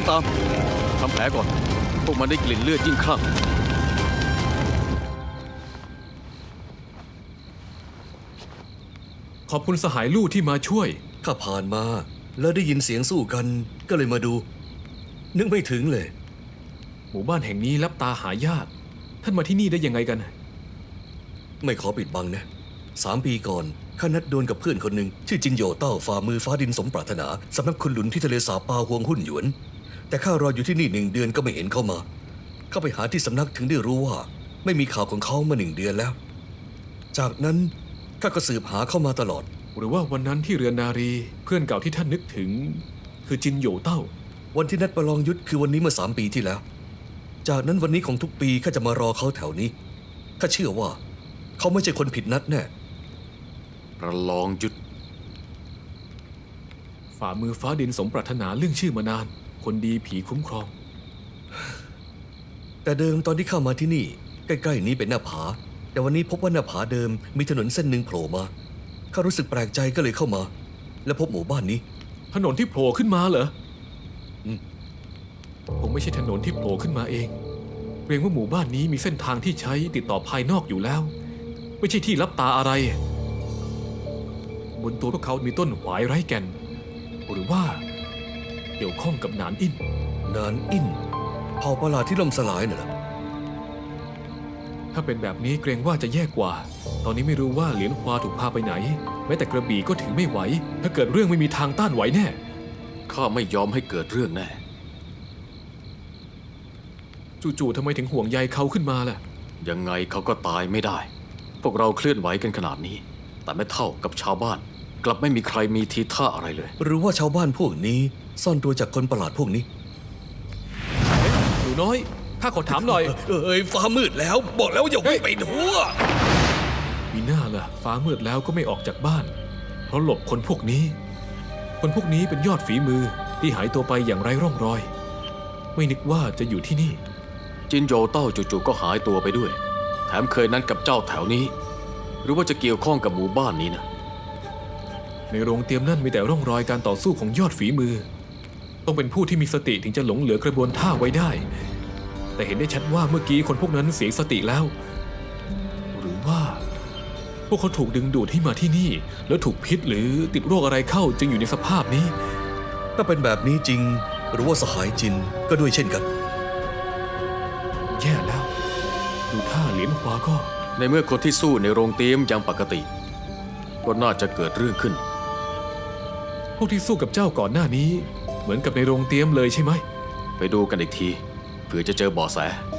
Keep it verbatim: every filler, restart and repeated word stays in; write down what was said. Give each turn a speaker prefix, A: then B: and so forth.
A: ตามทำแผลก่อนพวกมันได้กลิ่นเลือดยิ่งคลั่ง
B: ขอบคุณสหายลู่ที่มาช่วย
C: ข้าผ่านมาแล้วได้ยินเสียงสู้กันก็เลยมาดูนึกไม่ถึงเลย
B: หมู่บ้านแห่งนี้ลับตาหายากท่านมาที่นี่ได้ยังไงกัน
C: ไม่ขอปิดบังนะสามปีก่อนข้านัดดวลกับเพื่อนคนหนึ่งชื่อจินโยเต้าฝ่ามือฟ้าดินสมปรารถนาสำนักคุณหลุนที่ทะเลสาบปาฮวงหุ้นหยวนแต่ข้ารออยู่ที่นี่หนึ่งเดือนก็ไม่เห็นเข้ามาเข้าไปหาที่สำนักถึงได้รู้ว่าไม่มีข่าวของเขามาหนึ่งเดือนแล้วจากนั้นข้าก็สืบหาเข้ามาตลอด
B: หรือว่าวันนั้นที่เรือนนารีเพื่อนเก่าที่ท่านนึกถึงคือจินโยเต้า
C: วันที่นัดประลองยุทธคือวันนี้เมื่อสามปีที่แล้วจากนั้นวันนี้ของทุกปีข้าจะมารอเขาแถวนี้ข้าเชื่อว่าเขาไม่ใช่คนผิดนัดแน่
A: ประลองยุทธ
B: ฝ่ามือฟ้าดินสมปรารถนาเรื่องชื่อมานานคนดีผีคุ้มครอง
C: แต่เดิมตอนที่เข้ามาที่นี่ใกล้ๆนี้เป็นหน้าผาแต่วันนี้พบว่าหน้าผาเดิมมีถนนเส้นหนึ่งโผล่มาข้ารู้สึกแปลกใจก็เลยเข้ามาและพบหมู่บ้านนี้
B: ถนนที่โผล่ขึ้นมาเหรอผมไม่ใช่ถนนที่โผล่ขึ้นมาเองเกรงว่าหมู่บ้านนี้มีเส้นทางที่ใช้ติดต่อภายนอกอยู่แล้วไม่ใช่ที่ลับตาอะไรบนตัวพวกเขามีต้นหวายไร้แก่นหรือว่าเกี่ยวข้องกับหนานอิน
C: หนานอินเผ่าประหลาดที่ล่มสลายน่ะเหรอ
B: ถ้าเป็นแบบนี้เกรงว่าจะแย่กว่าตอนนี้ไม่รู้ว่าเหลียนฮวาถูกพาไปไหนแม้แต่กระบี่ก็ถือไม่ไหวถ้าเกิดเรื่องไม่มีทางต้านไหวแน่
A: ข้าไม่ยอมให้เกิดเรื่องแน่
B: จู่ๆทำไมถึงห่วงใยเขาขึ้นมาล่ะ
A: ยังไงเขาก็ตายไม่ได้พวกเราเคลื่อนไหวกันขนาดนี้แต่ไม่เท่ากับชาวบ้านกลับไม่มีใครมีทีท่าอะไรเลย
C: หรือว่าชาวบ้านพวกนี้ซ่อนตัวจากคนประหลาดพวกนี้
B: หนูน้อยข้าขอถามหน่อย
C: เอ้ยฟ้ามืดแล้วบอกแล้วอย่าวิ่งไปทั่ว
B: มีหน้าล่ะฟ้ามืดแล้วก็ไม่ออกจากบ้านเพราะหลบคนพวกนี้คนพวกนี้เป็นยอดฝีมือที่หายตัวไปอย่างไร้ร่องรอยไม่นึกว่าจะอยู่ที่นี่
A: จินโยเต้าจู่ๆก็หายตัวไปด้วยแถมเคยนั้นกับเจ้าแถวนี้หรือว่าจะเกี่ยวข้องกับหมู่บ้านนี้นะ
B: ในโรงเตรียมนั่นมีแต่ร่องรอยการต่อสู้ของยอดฝีมือต้องเป็นผู้ที่มีสติถึงจะหลงเหลือกระบวนท่าไว้ได้แต่เห็นได้ชัดว่าเมื่อกี้คนพวกนั้นเสียสติแล้วหรือว่าพวกเขาถูกดึงดูดให้มาที่นี่แล้วถูกพิษหรือติดโรคอะไรเข้าจึงอยู่ในสภาพนี้
C: ถ้าเป็นแบบนี้จริงหรือว่าสหายจินก็ด้วยเช่นกัน
B: แย่แล้วดูท่าเหลียนฮวาก็
A: ในเมื่อคนที่สู้ในโรงเตรียมยังปกติก็น่าจะเกิดเรื่องขึ้น
B: พวกที่สู้กับเจ้าก่อนหน้านี้เหมือนกับในโรงเตรียมเลยใช่ไหม
A: ไปดูกันอีกทีเผื่อจะเจอเบาะแส